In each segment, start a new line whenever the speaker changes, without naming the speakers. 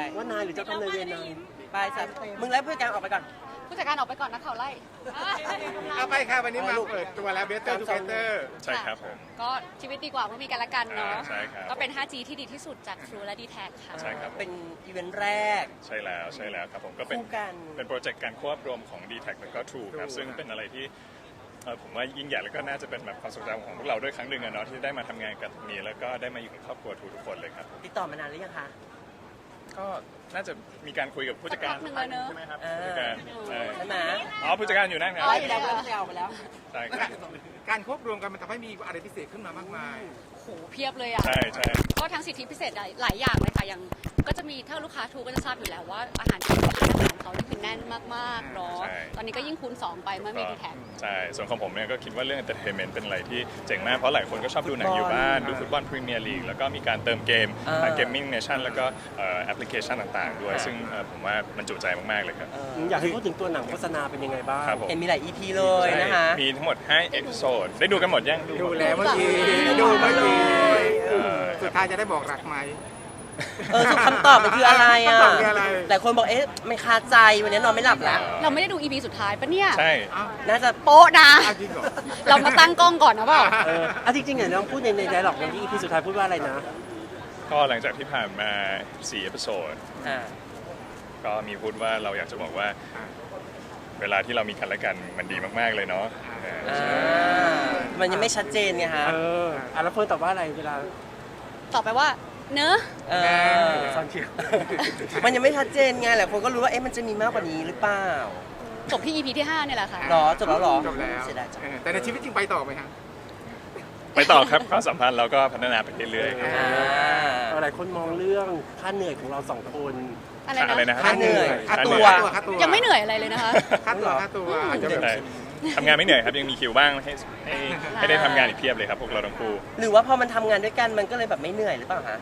ว่านายหรือเจ้ากรรมนายเวรนาย
ไปสัตว์มึงแล้วผู้จัดการออกไปก่อน
ผู้จัดการออกไปก่อนนะเขาไล่
เอาไปค่ะวันนี้มาเปิดตัวแล้ว Better Together
ใช่ครับผม
ก็ชีวิตดีกว่าเมื่อมีกันและกันเนาะ
ใช่ครับ
ก็เป็น 5G ที่ดีที่สุดจาก True และ d t แทค่ะ
ใช่ครับ
เป็นอีเวนต์แรก
ใช่แล้วครับผมก็เป็น
คู่กัน
เป็นโปรเจกต์การควบรวมของ d t แทแล้วก็ True ครับซึ่งเป็นอะไรที่ผมว่ายิ่งใหญ่แล้วก็น่าจะเป็นแบบความทรงจำของพวกเราด้วยครั้งหนึ่งอะเนาะที่ได้มาทำงานกันตรงนี้แล้วก็ได้มาอยู่กับครอบครัวทูทุกคนเลยครับ
ติดต่อมานานหรือยังคะ
ก็น่าจะมีการคุยกับผู้จัดการ
สักพักหนึ่งเลยเนอะ
ใช่ไหมครับผู้จัดการใช่
ใช่ไหม
อ๋อผู้จัดการอยู่นั่นครั
อ๋ออยู่แล้วผู้จัดการออกไปแล้ว
ใช่ครับ
การควบรวมกันมันทำให้มีอะไรพิเศษขึ้นมามากมาย
โหเพียบเลยอ่ะ
ใช่ใช่
ก็ทั้งสิทธิพิเศษหลายอย่างเลยค่ะอย่างก็จะมีถ้าลูกค้าทูก็จะทราบอยู่แล้วว่าอาหารที่ร้านอาหารเขานี่คือแน่นมากๆเนาะตอนนี้ก็ยิ่งคูณ2ไปเมื่อมี d t แท
ใช่ส่วนของผมเนี่ยก็คิดว่าเรื่อง entertainment เป็นอะไรที่เจ๋งมากเพราะหลายคนก็ชอบดูหนังอยู่บ้านดูฟุตบอลพรีเมียร์ลีกแล้วก็มีการเติมเกมทางเกมมิ่งเนชั่นแล้วก็แอปพลิเคชันต่างๆด้วยซึ่งผมว่ามันจุใจมากๆเลยครับ
อยากให้พูดถึงตัวหนังโฆษณาเป็นยังไงบ้าง
ครับผม
เห็นมีหลาย EP เลยนะคะ
มีทั้งหมด5เอพิโซดได้ดูกันหมดยัง
ดูแล้วเมื่อกี้ดูเมื่อกี้
เออ
สุดท้ายจะได้บอกรักไหม
สุดคำตอบมันคืออะไรอ่ะ
คำตอบคืออะไร
หลายคนบอกเอ๊ะมันคาใจวันนี้นอนไม่หลับแล้ว
เราไม่ได้ดู EP สุดท้ายปะเนี่ย
ใช่
อ้าว
น่าจะ
โป๊ะนะ
เอาจริงเหรอ
เรามาตั้งกล้องก่อนนะเปล่า
จริงๆเนี่ยน้องพูดในไดร็อกในที่ EP สุดท้ายพูดว่าอะไรนะ
ก็หลังจากที่ผ่านมา4เอพิโซด
อ่า
ก็มีพูดว่าเราอยากจะบอกว่า เวลาที่เรามีกันและกันมันดีมากๆเลยเนาะ
มันยังไม่ชัดเจนไงฮะ
แล้วคนตอบว่าอะไรเวลา
ตอบไปว่า เนอะ
เออ
ซอนเชียร์
มันยังไม่ชัดเจนไงหลายคนก็รู้ว่าเอ๊ะมันจะมีมากกว่านี้หรือเปล่า
จบที่ EP ที่ 5 เนี่ยแหละค่ะ
หรอจบแล้วหรอ
จบแล้ว
เสียดายจัง
แต่ในชีวิตจริงไปต่อไหมฮะ
ไปต่อครับความสัมพันธ์เราก็พัฒนาไปเรื่อยๆครับ
หลายคนมองเรื่องค่าเหนื่อยของเราสองคน
อะไรนะ
นะ
ค่าเหนื่อย
ค่า
ค่า
ตั
ตัว ว
ค่าตัว
ยังไม่เหนื่อยอะไรเลยนะคะ
ค่าตัวอาจจะแบบ
ใช่ทำงานไม่เหนื่อยครับยังมีคิวบ้างให้ได้ทำงานอีกเพียบเลยครับพวกเราทั้งคู่
หรือว่าพอมันทำงานด้วยกันมันก็เลยแบบไม่เหนื่อยหรือเปล่าฮะ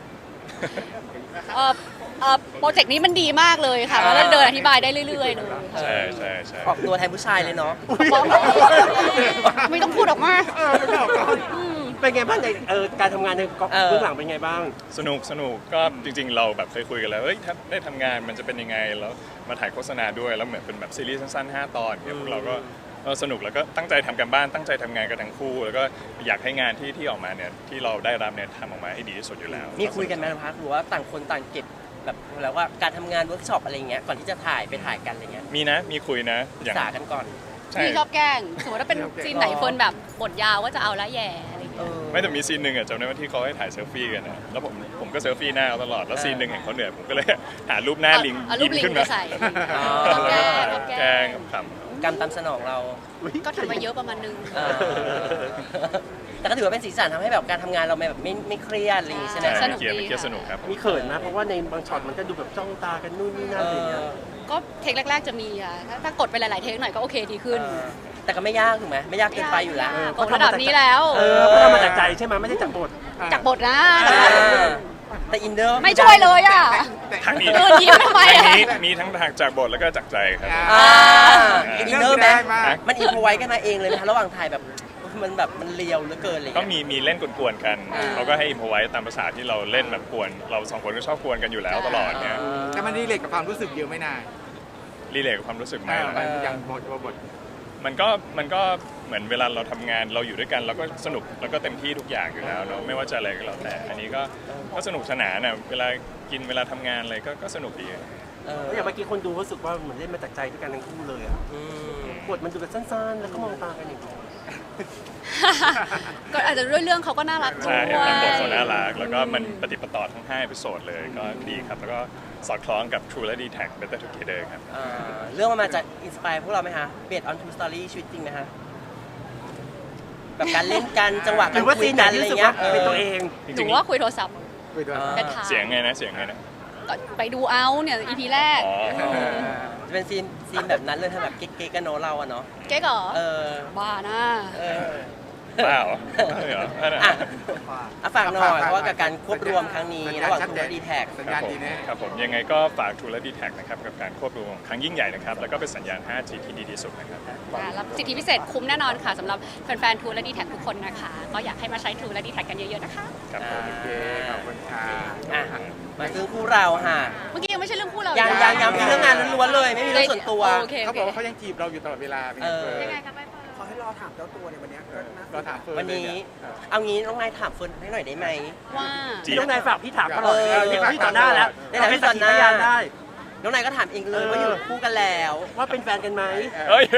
โปรเจกต์นี้มันดีมากเลยค่ะแล้วเดินอธิบายได้เรื่อยๆเลยค่ะ
ใช่ใช่ใช่
ออกตัวแทนผู้ชายเลยเนาะ
ไม่ต้องพูดออกมา
เป็นไงบ้างในการทำงานในกองเบื้องหลังเป็นไงบ้าง
สนุกก็จริงๆเราแบบเคยคุยกันแล้วเฮ้ยถ้าได้ทำงานมันจะเป็นยังไงแล้วมาถ่ายโฆษณาด้วยแล้วเหมือนเป็นแบบซีรีส์สั้นๆ5 ตอนเนี่ยพวกเราก็สนุกแล้วก็ตั้งใจทำกันบ้านตั้งใจทำงานกันทั้งคู่ แล้วก็อยากให้งานที่ออกมาเนี่ยที่เราได้รับเนี่ยทำออกมาให้ดีที่สุดอยู่แล้ว
มีคุยกันไหมพักหรือว่าต่างคนต่างเก็บแบบแล้วว่าการทำงานเวิร์กช็อปอะไรเงี้ยก่อนที่จะถ่ายไปถ่ายกันอะไรเงี้ย
มีนะมีคุยนะ
ศึกษากันก่อน
ใช่
พี่ชอบแกล้งสมมติว่าเป็นซีนไหนเฟิร์นแบบบทยาวว่าจะเอาละแย่อะไรอย่างเงี้ย
ไม่แต่มีซีนหนึ่งอะจำได้ว่าที่เขาให้ถ่ายเซลฟี่กันนะแล้วผมก็เซลฟี่หน้าเขาตลอดแล้วซีนหนึ่งเห็นเขาเหนื่อยผมก็เลยหารูปหน้าลิง
เอารูปลิง
ขึ้น
ไป
มา
ใส่
อ๋อ
ชอบแกล้งชอบ
แก
แกล้
ล้
ง
งขำ
กรรมตามสนองเรา
ก็ทำมาเยอะประมาณนึง
เออแต่ก็ถือว่าเป็นสีสันทำให้แบบการทำงานเราแบบไม่เครียดอะไรอย่างงี้ใช่ไหม
ใช่
สนุก
เกียร์
ดี
เกียร์
ค่ะ
สนุกครับ
มีเขินนะเพราะว่าในบางช็อตมันก็ดูแบบจ้องตากันนู่นนี่นั่นอะไรอย่างเงี้ย
ก็เทคแรกๆจะมีอ่ะถ้ากดไปหลายๆเทคหน่อยก็โอเคดีขึ้น
แต่ก็ไม่ยากถูกไหมไม่ยากเกินไปอยู่แล้ว
ตกระดับนี้แล้ว
เพราะเรามาจากใจใช่ไหมไม่ได้จากบท
จากบทนะ
แต่อินเดอร์
ไม่ช่วยเลยอ่ะ
ทางนี้
เดินยิ้มทำไม
ทาง
อะ
นี้มีทั้งทางจากบทแล้วก็จากใจครับ
อินเดอร์ไหม
มาก
มันอินพอไว้กันมาเองเลยไหมคะระหว่างถ่ายแบบมันแบบมันเลียวเหลือเกินอะไร
ก็
เงี้ย
มีเล่นกวนๆกันเขาก็ให้อิมพอไว้ตามภาษาที่เราเล่นแบบกวนเราสองคนก็ชอบกวนกันอยู่แล้วตลอดเนี่ย
แต่มันรีเลทกับความรู้สึกเยอะไม่นาน
รีเลทกับความรู้สึกไหมล่ะ
อย่างบท
มันก็เหมือนเวลาเราทำงานเราอยู่ด้วยกันเราก็สนุกแล้วก็เต็มที่ทุกอย่างอยู่แล้วเนาะไม่ว่าจะอะไรก็แล้วแต่อันนี้ก็สนุกสนานน่ะเวลากินเวลาทำงานอะไรก็สนุกดี
แล้วอย่างเมื่อกี้คนดูรู้สึกว่าเหมือนเล่นมาจากใจด้วยกันทั้งคู่เลยอะบทมันดูแบบสั้นๆ แล้วก็มองตากันอย่างเงี้ย
ก็อาจจะด้วยเรื่องเขาก็น่ารักด้
ใช่
วย
ตามบทเขาน่ารักแล้วก็มันปฏิปต่อทั้ง5 เอพิโซดเลยก็ดีครับแล้วก็สอดคล้องกับ True และ d t แท Better Together ครับ
เรื่องมันมาจากอินสปายพวกเราไหมคะเบสออนทูสตอรี่ชีวิตจริงไหมคะแบบการเล่นกันจังหวะ
ห
กา
รื
ร
อว่า
คุ
ซี
ย
นไหน
กัน
ที่
อะไร
รู้สึก
เงี้
ว่าย เป็นตัวเอง
จ
ห
ริ
นู
ง
ว่าคุยโทรศัพท์
คุยด้วย
เป็นถาม
ๆเสียงไงนะ
ก็ไปดูเอาเนี่ย EP แรก
อ๋อ
จะเป็นซีนแบบนั้นเลยถ้าแบบเก๊กๆกันโนเราอะเนาะ
เก๊กเหรอ
เออ
บ้านะ
เออ
เปล่าไม่เหรอนั่นน่ะ
อ่ะฝากหน่อยเพราะว่ากับการควบรวมครั้งนี้ระหว่างทูและดีแท็ก
สัญ
ค
ญา
รับ
ณ
ผม
ดีแน่
ครับผมยังไงก็ฝาก True และ d t แทนะครับกับการควบรวมครั้งยิ่งใหญ่นะครับแล้วก็เป็นสัญญาณ 5G ที่ดีที่สุดนะครับ
รับสิทธิพิเศษคุ้มแน่นอนค่ะสำหรับแฟนๆ True และ d t แททุกคนนะคะ ก็อยากให้มาใช้ True และ d t แทกันเยอะๆนะคะ
ครับผม
โอเคขอบคุณค่ะ
อ่ะมาซื้อคู่เราค่ะ
เมื่อกี้ยังไม่ใช่เรื่องคู่เรา
ยัง
อีก
ยังมีเรื่องงานล้วนๆเลยไม่มีเรื่องส่วนตัว
โอเค
เขาบอกว่าเขายังจีบเราอยู่ตลอดเวลาเป็นไงเฟิร์น
ยังไงคะใบเฟิร์น
ขอให้รอถามเจ้าตัวในวันเนี้ยก็น่า
เราถามเฟิร์น
วันนี้
เลยเย
เอางี้น้องนายถามเฟิร์นให้หน่อยได้ไหม
ว่า
จี
พี่น้องนายฝากพี่ถามตลอด
เออ
พี่ต่อหน้าแล้ว
ได้แต่พี่ต่อหน้า
ให้สักขีพยานได้
น้องนายก็ถามเองเลยว่าอยู่คู่กันแล้ว
ว่าเป็นแฟนกันไหม
เอ้ย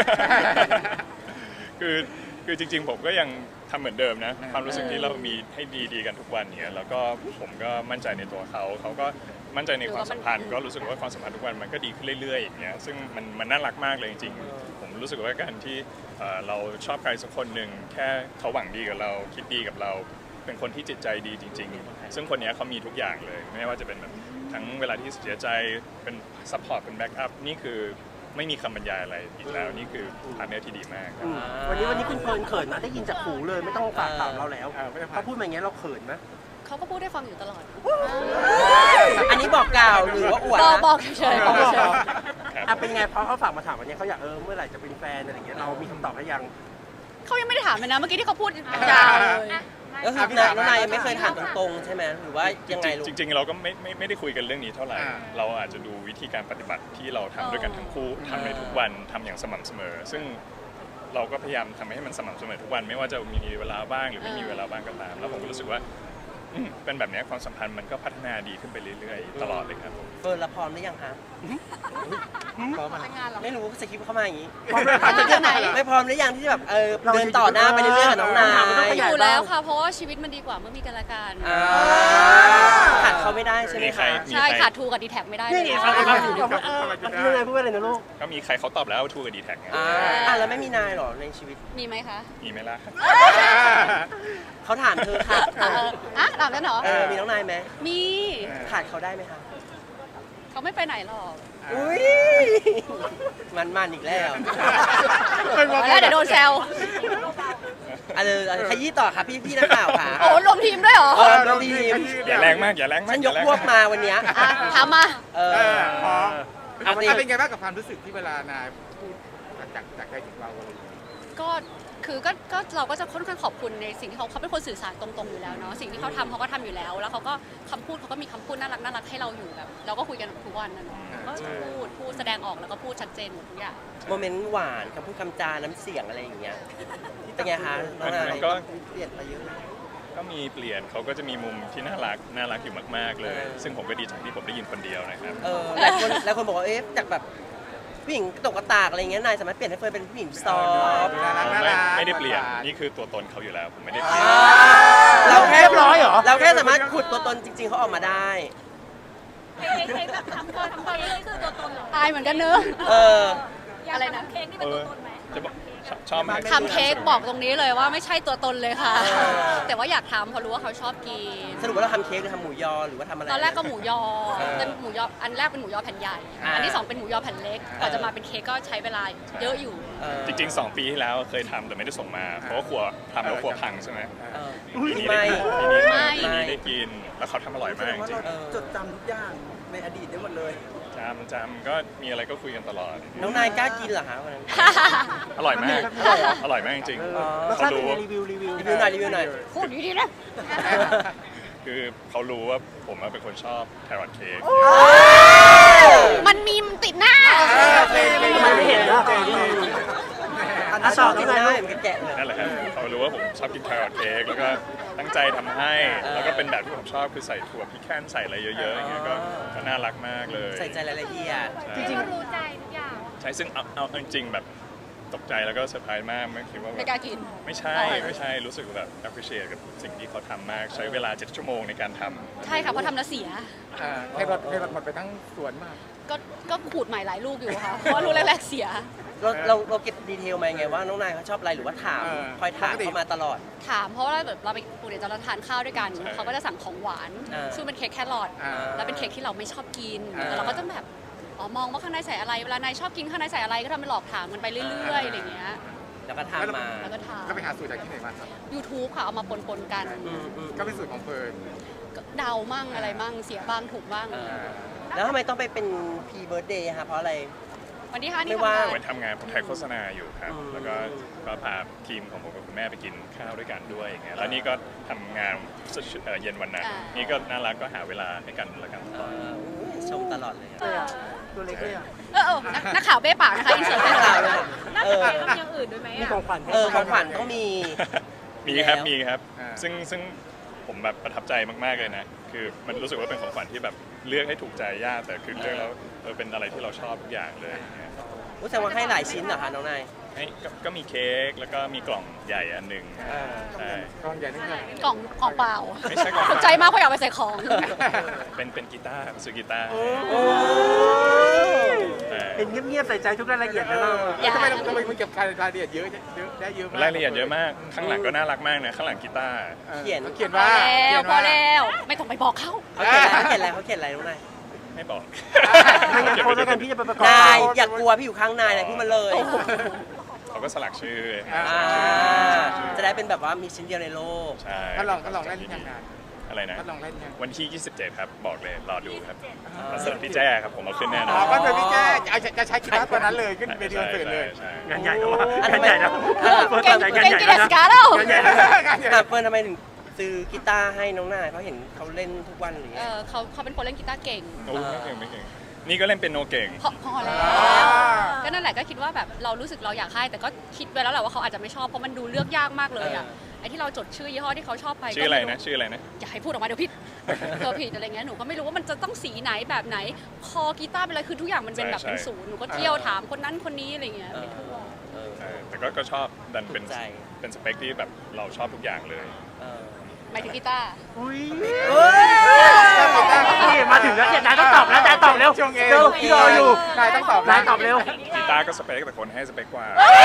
คือจริง ๆ ผมก็ยังทำเหมือนเดิมนะ ความรู้สึกที่เรามีให้ดีๆกันทุกวันเนี่ยแล้วก็ผมก็มั่นใจในตัวเขาก็มั่นใจในความสัมพันธ์ก็รู้สึกว่าความสัมพันธ์ทุกวันมันก็ดีขึ้นเรื่อยๆอย่างเงี้ยซึ่งมันน่ารักมากเลยจริงๆผมรู้สึกว่าการที่เราชอบใครสักคนหนึ่งแค่เขาหวังดีกับเราคิดดีกับเราเป็นคนที่จิตใจดีจริง ๆ ซึ่งคนเนี้ยเขามีทุกอย่างเลยไม่ว่าจะเป็นแบบทั้งเวลาที่เสียใจเป็นซัพพอร์ตเป็นแบ็กอัพนี่คือไม่มีคำบรรยายอะไรอีกแล้วนี่คือพาร์ทเนอร์ที่ดีมากครับ
วันนี้คุณเฟิร์นเขินนะได้ยินจากหูเลยไม่ต้องฝากถามเราแล้ว
ไม่ต้องฝาก
เขาพูดมาอย่างเงี้ยเราเขินไหม
เขาก็พูดให้ฟังอยู่ตลอด
อันนี้บอกกล่าวหรือว่าอวด
บอกเฉยๆบอกเฉย
อ่ะเป็นไงเพราะเขาฝากมาถามวันนี้เขาอยากเมื่อไหร่จะเป็นแฟนอะไรอย่างเงี้ยเรามีคำตอบให้ยัง
ๆเขายังไม่ได้ถามเลยนะ เมื่อกี้ที่เขาพูดยาวเลย
ก็คือน้องนายยังไม่เคยถามตรงๆใช่ไหมหรือว่ายังไงลูก
จริงๆเราก็ไม่ได้คุยกันเรื่องนี้เท่าไหร่ เราอาจจะดูวิธีการปฏิบัติที่เราทำด้วยกันทั้งคู่ทำในทุกวันทำอย่างสม่ำเสมอ ซึ่งเราก็พยายามทำให้มันสม่ำเสมอทุกวันไม่ว่าจะมีเวลาบ้างหรือไม่มีเวลาบ้างก็ตาม แล้วผมก็รู้สึกว่าเป็นแบบนี้ความสัมพันธ์มันก็พัฒนาดีขึ้นไปเรื่อยๆตลอดเลยครับ
เฟิร์นละพร้อมหรือยังคะ
พร้อมอ่ะ
ไม่รู้สคริปต์เข้ามาอย่างนี้
พร้อมเลยค่ะจะ
จากไหน
ไม่พร้อมหรือยังที่จะแบบเดินต่อหน้าไปเรื่อยๆกับน้องนาย
อยู่แล้วค่ะ เพราะว่าชีวิตมันดีกว่าเมื่อมีกันและกัน
ขาดเขาไม่ได้ใช่ไหม
มีใคร
คะ
ใช่ขาดทูกับดีแท็กไม่ได้เล
นี่
ย
ไงฟังกันอยู่พี่น้องนายพูดว่าอะไรนะลูก
ก็มีใครเขาตอบแล้วทูกับดีแท็กไง
แล้วไม่มีนายเหรอในชีวิต
มีไหมคะ
มีไหมล่ะ
เขาถามเธอค่ะ
ถามกันเหรอ
มีน้องนายไหม
มี
ขาดเขาได้ไหมคะ
เขาไม่ไปไหนหรอก
อุ้ยมันอีกแล้ว
แล้วเดี๋ยวโดนแซว
ขยี้ต่อค่ะพี่นักข่าวค่ะ
โอ้รวมทีมด้วยเหรอ
เราทีม
อย่าแรงมากอย่าแรงมา
ฉั
ก
นยกพวกมาวันเนี้ย
ถามมา
พร้อม
เอาสิ
เป็นไงบ้างกับความรู้สึกที่เวลานายพูดจากใจถึงเราอะไรอย่างเงี้ย
ก็เราก็จะค่อนข้างขอบคุณในสิ่งที่เขาเป็นคนสื่อสารตรงๆอยู่แล้วเนาะสิ่งที่เขาทำเขาก็ทำอยู่แล้ว แล้วเขาก็คำพูดเขาก็มีคำพูดน่ารักให้เราอยู่แบบเราก็คุยกันทุกวันนะเนาะก็พูดแสดงออกแล้วก็พูดชัดเจนหมดทุกอย่าง
โมเมนต์หวานคำพูดคำจาน้ำเสียงอะไรอย่างเงี้ยเป็นไงคะน้องนาย
มันก็
เปลี่ยนไปเยอะเลย
ก็มีเปลี่ยนเขาก็จะมีมุมที่น่ารักอยู่มากๆเลย ซึ่งผมก็ดีใจที่ผมได้ยินคนเดียวนะครับ
หลายคนบอกว่าจากแบบผู้หญิงกระตกกระตากอะไรเงี้ยนายสามารถเปลี่ยนให้เฟิร์นเป็นผู้หญิงซอฟต์
ไม่ได้เปลี่ยนนี่คือตัวตนเขาอยู่แล้วผมไม่ได้เปลี่ยน
เราแค่
เรียบร้อยเหรอ
เราแค่สามารถขุดตัวตนจริง ๆเขาออกมาได้
ใช้แบบทำตัวนี่คือตัวตนเหรอ
อายเหมือนกันเนอะ
อะไรนะเค้กนี่เป็นตัวตนไหม
จะบอกชอบไหม
ทำเค้กบอกตรงนี้เลยว่าไม่ใช่ตัวตนเลยค่ะ แต่ว่าอยากทำเพราะรู้ว่าเขาชอบกิน
สรุปว่าเราทำเค้กหรือทำหมูยอหรือว่าทำอะไร
ตอนแรกก็หมูยอเป็นหมูยออันแรกเป็นหมูยอแผ่นใหญ่ อันที่สองเป็นหมูยอแผ่นเล็กกว่าจะมาเป็นเค้กก็ใช้เวลาเยอะอยู่
จริงๆ2 ปีที่แล้วเคยทำแต่ไม่ได้ส่งมา เพราะว่าครัวทำแล้วครัวพังใช่ไหม ปีนี้
ไม่
ได้กินแล้วเขาทำอร่อยมากจริง
จดจำทุกอย่างในอดีตได้หมดเลย
จำก็มีอะไรก็คุยกันตลอด
น้องนายกล้ากินเหรอคะวันนั้น
อร่อยมากอร่อยมากจริง
รส
เขา
ชาติเป็น
รู้
ไง
ว่า
รีวิว
รีวิวหน่อยรีวิวหน่อย
พูดดีๆนะ
คือเขารู้ว่าผมเป็นคนชอบแครอทเค้ก
มันมีมติดหน้า
มันไม่เห็นนะอ่ะต่อ
กิ
ที่
น
ไหน
ได้
ลูก
เหมือนแกะเลย
นั่นแหละครับเขารู้ว่าผมชอบกินแครอทเค้กแล้วก็ตั้งใจทำให้แล้วก็เป็นแบบที่ผมชอบคือใส่ถั่วพิแคนใส่อะไรเยอะๆอย่างเงี้ยก็น่ารักมากเลย
ใส่ใจรายละเอียด
ใช่
จริง
ก็รู้ใจทุกอย่าง
ใช่ซึ่งเอาจริงๆแบบตกใจแล้วก็เซอร์ไพรส์มากไม่คิดว่า
ไม่กล้ากิน
ไม่ใช่รู้สึกแบบ appreciate กับสิ่งที่เขาทำมากใช้เวลา7 ชั่วโมงในการทำ
ใช่ค่ะเพราะทำแล้วเสีย
ให้รถหมดไปทั้งสวนมาก
ก็ขูดใหม่หลายลูกอยู่ค่ะ เพราะว่าลูกแรกๆเสีย
เราเก็บดีเทลมาไงว่าน้องนายเขาชอบอะไรหรือว่าถามคอยถามเขามาตลอด
ถามเพราะว่าแบบเราไปปูเดี๋ยวจะทานข้าวด้วยกัน
ใช่
เขาก็จะสั่งของหวาน ซึ่งเป็นเค้กแครอท แล้วเป็นเค้กที่เราไม่ชอบกินแต่เราก็จะแบบมองว่าข้างในใส่อะไร เวลานายชอบกินข้างในใส่อะไรก็ทำเป็นหลอกถามกันไปเรื่อยๆอะไรอย่างเงี้ย
แล้วก็ทำมา
แล้วก็ถาม
ก็ไปหาสูตรจากที่ไหนมาครับ
YouTube ค่ะเอามาปนๆกัน
ก็เป็นสูตรของเฟิร์น
ก็เดามั่งอะไรมั่งเสียบ้างถูกบ้าง
แล้วทำไมต้องไปเป็นพีเบิร์ดเดย์คะเพราะอะไร
วันที่5นี่
ไม่
ทำ
ว่าง
งาน
ไปทำงานผมถ่ายโฆษณาอยู่ครับ
อืม
แล้วก็พาทีมของผมกับคุณแม่ไปกินข้าวด้วยกันด้วยอย่างเงี้ยแล้วนี่ก็ทำงานเย็นวันนั้นนี่ก็น่ารักก็หาเวลาให้กันแล้วกัน
ชมตลอดเลยอะ
ตัวเล็กเลยอ่ะ
นักข่าวเบ้ปากนะคะอินเสิร์ตเบ้ปาก
น่าจะมีทำอย่างอื่นด้วยไหม
มี
อ่ะ
ของขวัญให้
ของขวัญต้องมี
มีครับ
แล้ว
มีครับ
อ่า
ซึ่งผมแบบประทับใจมากๆเลยนะคือมันรู้สึกว่าเป็นของขวัญที่แบบเลือกให้ถูกใจยากแต่คือเลือกแล้วเป็นอะไรที่เราชอบทุกอย่างเลยอย่างเงี้ย
แสดงว่าให้หลายชิ้นเหรอคะน้องนาย
ก็มีเค้กแล้วก็มีกล่องใหญ่อันหนึ่งใช่
กล้องใหญ่นึงเลย
กล่องเปล่า
ไม่ใช่กล่อง
ตกใจมากเพราะอยากไปใส่ของ
เป็นกีตาร์ซื้อกีตาร์
เป็นเงียบๆใส่ใจทุกรายละเอียดนะเรา
อย่า
ทำไมมึงเก็บรายละเอียดเยอะได้เยอะมาก
รายละเอียดเยอะมากข้างหลังก็น่ารักมากนะข้างหลังกีตาร์
เขียน
เขียน
พอ
ว่า
แล้วพอแล้วไม่ต้องไปบอกเขา
เขาเขียนอะไรเขาเขียนอะไรน้องนาย
ไม่บอก
ไม่งั้นโพสต์แล้วกันพี่จะไปประกอบ
นายอย่ากลัวพี่อยู่ข้างนายเลยพูดมาเลย
เขาก็สลักชื่อ
จะได้เป็นแบบว่ามีชิ้นเดียวในโลก
ใช่
ก็ลองเล่นยังไง
อะไรนะ
ก็ลองเล่นยัง
วันที่ 27 ครับ บอกเลย รอดูครับคอนเสิร์ตพี่แจ้ครับ ผมเอาขึ้นแน่นอน
อ๋อก็คือพี่แจ้จะใช้กีตาร์ตัวนั้นเลยขึ้นเวทีคอนเสิร์ตเลย
ใช่
งานใหญ่แล้ววะ
อัน
งานใหญ่แล้ว
เก่งเก่งกินเดสการ์แล้ว
งานใหญ่แล้ว
เฟิร์นทำไมถึงซื้อกีตาร์ให้น้องนายเพราะเห็นเขาเล่นทุกวันหรือไง
เขาเป็นคนเล่นกีตาร์เก่ง
โอ้ไม่เก่งไม่เก่ง นี่ก็เล่นเป็นโนเก่ง
พอแล้วก็นั่นแหละก็คิดว่าแบบเรารู้สึกเราอยากให้แต่ก็คิดไว้แล้วแหละว่าเขาอาจจะไม่ชอบเพราะมันดูเลือกยากมากเลยอ่ะไอ้ที่เราจดชื่อยี่ห้อที่เขาชอบไป
ชื่ออะไร
ก็ม่
นะ ชื่ออะไรนะ
อย่าให้พูดออกมาเดี๋ยวผิดเธอผิดอะไรเงี้ยหนูก็ไม่รู้ว่ามันจะต้องสีไหนแบบไหนคอกีตาร์เป็นอะไรคือทุกอย่างมันเป็นแบบ
ใช่
เป็นศูนย์หนูก็เที่ยวถามคนนั้นคนนี้อะไรเงี้ยไปทั่ว
แต่ก็ชอบดันเป็นสเปคที่แบบเราชอบทุกอย่างเลย
หมายถึงกีตาร์
อุ้ยนี่มาถึงแล้วเนี่ยนายต้องตอบแล้วนายตอบเร็ว
ช่วงเอ
เร็วพี่รออยู่
นายต้องตอบ
นายตอบเร็ว
กีตาร์ก็สเปคแต่คนให้สเปคกว่า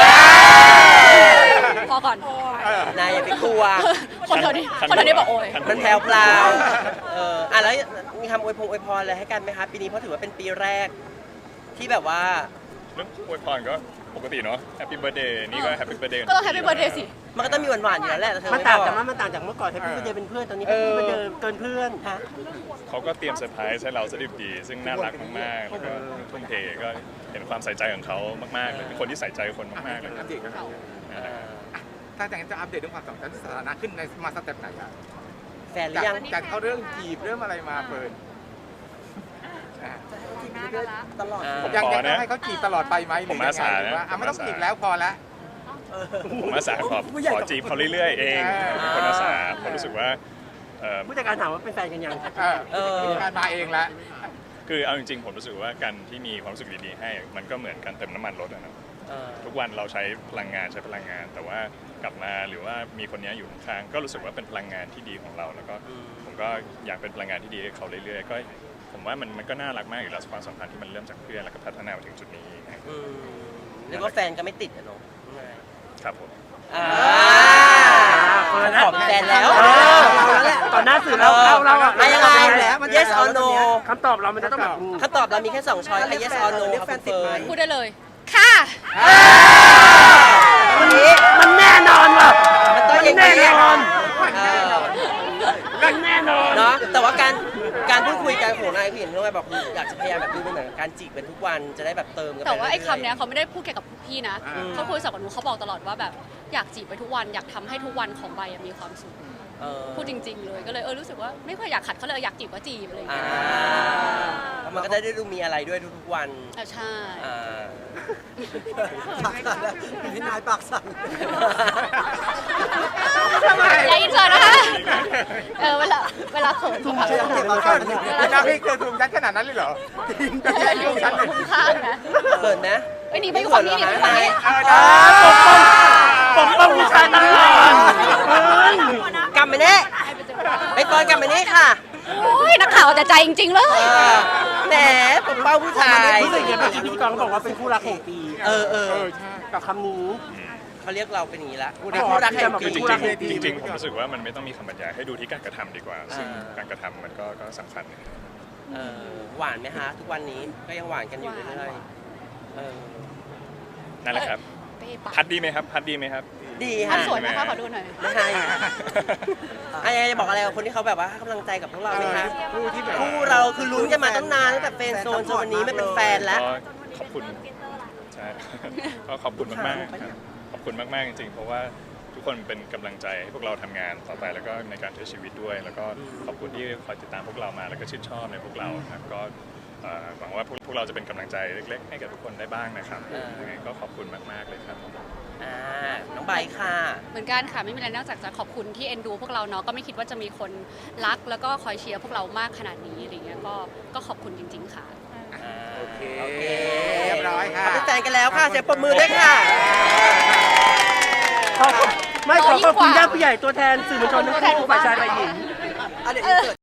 พอก่อน
นายอย่าไปกลัว
คนเธอนี่บอกโอย
มันแพรวพลาวแล้วมีคำอวยพรอะไรให้กันไหมคะปีนี้เพราะถือว่าเป็นปีแรกที่แบบว่า
เรื่องอวยพรก็ปกติเนาะ Happy Birthday นี่ก็ Happy Birthday
ก็ต้องแฮปปี้เบิร์ดเดย์สิ
มันก็ต้องมีหวานๆอยู่แล้วแหละแต่เธอ
มัน
ไม่
ต่าง
บอก
จากมันต่างจากเมื่อก่อนแฮปปี้เบิร์ธเดย์เป็นเพื่อนตอนนี้แฮปปี้เบิร์ธเดย์เกินเพื่อน
เขาก็เตรียมเซอร์ไพรส์ให้เราสดิบดี ซึ่งน่ารักมากๆ แล้วก็ทุ่มเทก็เห็นความใส่ใจของเขามากๆเลยเป็นคนที่ใส่ใจคนมากๆเลย
อัปเดตกันถ้าอย่างนั้นจะอัปเดตเรื่องความสัมพันธ์สถานะขึ้นในมาสเต็ปไหนอ่ะ
แฟนหรือยัง
จากเขาเรื่องจีบเรื่องอะไรมาเปิด
ตลอด
ยังต้องให้เขาจีบตลอดไปไหมหรือยังไงหรือว่าไม่ต้องจีบแล้วพอละ
ผมอาสาขอจีบเขาเรื่อยๆเองเป็นคนอาสาผมรู้สึกว่า
ผู้จัดการถามว่าเป็นแฟนกันยัง
การมาเองละ
คือเอาจริงๆผมรู้สึกว่าการที่มีความรู้สึกดีๆให้มันก็เหมือนการเติมน้ำมันรถอะนะทุกวันเราใช้พลังงานแต่ว่ากลับมาหรือว่ามีคนนี้อยู่ข้างๆก็รู้สึกว่าเป็นพลังงานที่ดีของเราแล้วก็ผมก็อยากเป็นพลังงานที่ดีให้เขาเรื่อยๆก็ผมว่ามันก็น่ารักมากอยู่แล้วความสัมพันธ์ที่มันเริ่มจากเพื่อนแล้วก็พัฒนามาถึงจุดนี้นะ
เรียกว่าแฟนก็ไม่ติดอะเนาะ
ครับผม
ขอเป็นแฟนแล้ว
ตอนหน้าสื่อเราอะ
ไม่ยังไง yes or no
คำตอบเรามันจะต้องแบบ
คำตอบเรามีแค่2ช้อยค่ะ yes or no
เรียกแฟนติดไหม
พูดได้เลย ค่ะ
วันนี้
มันแน่นอนว่ะ
มันต้องอย่าง
แน่
นี้
นอนมันแน่นอน
เนาะแต่ว่าการพูดคุยกันของนายพี่เห็นด้วยแบบอยากจะพยายามแบบดูเป็นเหมือนการจีบเป็นทุกวันจะได้แบบเติมกันไป
แต่ว่าไอ้
เรื่ยๆ
คำเนี้ยเขาไม่ได้พูดแค่กับพี่นะเขาคุยกับหนูเขาบอกตลอดว่าแบบอยากจีบไปทุกวันอยากทำให้ทุกวันของใบมีความสุขพูดจริง ๆ เลยก็เลยรู้สึกว่าไม่ค่อยอยากขัดเขาเลยอยากจีบก็จีบอะไรอย่างเงี้ย
มันก็ได้ดูมีอะไรด้วยทุกๆวัน
ใช่
ปากสั่นแล้วพี่นายปากสั่น
อย่าอินเสิร์ตนะคะเวลาเขิน
ทุ่ม
เขา
เท
แบบ
เก็บมาก่อนเนี่ย
น้าพี่เคยถูกยัดขนาดนั้นเลยเหรอจะแค่ยุ่งฉันเลย
คุ้มค่านะ
เปิดไหม
หนีไปอยู่ฝั่งนี้หนีไปอยู่ฝั่งนี้
ปกป้องผู้ชายตลอด
กลับไปนี่ไปก่อนกลับไปนี่ค่ะ
โอ้ยนักข่าวแต่ใจจริง ๆ เลย
แหมปกป้องผู้ชาย
รู้สึกยังไงเมื่อกี้พิธีกรเขาบอกว่าเป็นคู่รักแห่งปี
ใช่
กับคำนี้
เขาเรียกเราเป็นอย่างนี้ละ
คู่
คู่
รั
รั
ก
ก
แห่
แห่
ง
ง
ปี
ปี
จริงๆผมรู้สึกว่ามันไม่ต้องมีคำบรรยายให้ดูที่การกระทำดีกว่า ซึ่งการกระทำมันก็สำคัญ
หวานไหมฮะทุกวันนี้ก็ยังหวานกันอยู่เรื่อย
นั่นแหละครับ
เป้ปาก
พัดดีไหมครับพัดดีไหมครับ
ดี
ท่า
ฮะ
นสวยนะคะขอดูหน่อย
ไม่ใช่อยากจะบอกอะไรกับคนที่เขาแบบว่าให้กำลังใจกับพวกเราไหมคะ
คู่ที่แบบ
คู่เราคือลุ้นกันมาตั้งนานตั้งแต่เฟรนด์โซนจนวันนี้ไม่เป็นแฟนแล้ว
ก็ขอบคุณช่ก็ขอบคุณมากๆครับขอบคุณมากๆจริงๆเพราะว่าทุกคนเป็นกำลังใจให้พวกเราทำงานต่อไปแล้วก็ในการใช้ชีวิตด้วย แล้วก็ขอบคุณที่คอยติดตามพวกเรามาแล้วก็ชื่นชอบในพวกเราครับก็หวังว่าพวกเราจะเป็นกำลังใจเล็กๆให้กับทุกคนได้บ้างนะครับยังไงก็ขอบคุณมากๆเลยครับ
น้องใบค่ะ
เหมือนกันค่ะไม่มีอะไรนอกจากจะขอบคุณที่เอ็นดูพวกเราเนาะก็ไม่คิดว่าจะมีคนรักแล้วก็คอยเชียร์พวกเรามากขนาดนี้อะไรเงี้ยก็ขอบคุณจริง ๆ ค่ะ
โอเค
โอเค
เรียบร้อยค่ะ
เขาเป็นแฟนกันแล้วค่ะเสียงปรบมือด้วยค่ะ
ขอบคุณญาติผู้ใหญ่ตัวแทนสื่อมวลชนทั้งคู่ฝ่ายชายฝ่ายหญิง
เดี๋ยว